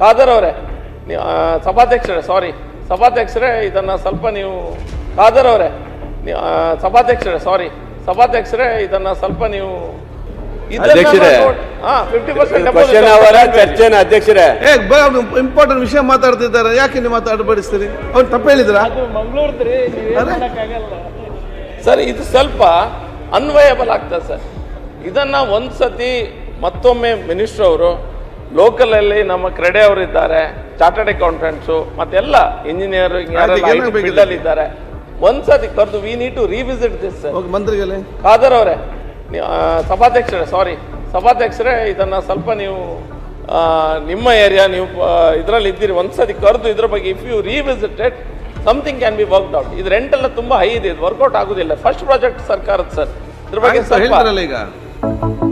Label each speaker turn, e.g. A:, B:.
A: ಖಾದರ್ ಅವರೇ, ಸಭಾಧ್ಯಕ್ಷರೇ ಇದನ್ನ ಸ್ವಲ್ಪ ನೀವು ಖಾದರ್ ಅವರೇ, ಸಭಾಧ್ಯಕ್ಷರೇ ಇದನ್ನ ಸ್ವಲ್ಪ ನೀವು
B: ಚರ್ಚೆನ ಅಧ್ಯಕ್ಷರೇ
C: ಇಂಪಾರ್ಟೆಂಟ್ ವಿಷಯ ಮಾತಾಡ್ತಿದ್ದಾರೆ, ಯಾಕೆ ನೀವು ಮಾತಾಡಬಡಿಸ್ತೀರಿ? ಅವ್ರು ತಪ್ಪು ಹೇಳಿದ್ರ
A: ಸರ್? ಇದು ಸ್ವಲ್ಪ ಅನ್ವಯಬಲ್ ಆಗ್ತದೆ ಸರ್. ಇದನ್ನ ಒಂದ್ಸತಿ ಮತ್ತೊಮ್ಮೆ ಮಿನಿಸ್ಟರ್ ಅವರು ಲೋಕಲ್ ಅಲ್ಲಿ ನಮ್ಮ ಕ್ರೆಡೆ ಅವರು ಇದ್ದಾರೆ, ಚಾರ್ಟರ್ಡ್ ಅಕೌಂಟೆಂಟ್ಸು ಮತ್ತೆಲ್ಲ ಇಂಜಿನಿಯರಿಂಗ್ ಫೀಲ್ಡ್ ಇದ್ದಾರೆ, ಒಂದ್ಸತಿ ಕರೆದು we need to revisit this.
C: ಮಂತ್ರಿಗಳೇ,
A: ಖಾದರ್ ಅವರೇ, ಸಭಾಧ್ಯಕ್ಷರೇ ಇದನ್ನ ಸ್ವಲ್ಪ ನೀವು ನಿಮ್ಮ ಏರಿಯಾ ನೀವು ಇದರಲ್ಲಿ ಇದ್ದೀರಿ, ಒಂದ್ಸತಿ ಕರೆದು ಇದ್ರ ಬಗ್ಗೆ if you revisited something can be worked out. ಇದು ರೆಂಟ್ ಎಲ್ಲ ತುಂಬಾ ಹೈ ಇದೆ, ಇದು ವರ್ಕೌಟ್ ಆಗುದಿಲ್ಲ. ಫಸ್ಟ್ ಪ್ರಾಜೆಕ್ಟ್ ಸರ್ಕಾರದ ಸರ್, ಇದ್ರ ಬಗ್ಗೆ
C: ಹೇಳ್ತಾರಲ್ಲ ಈಗ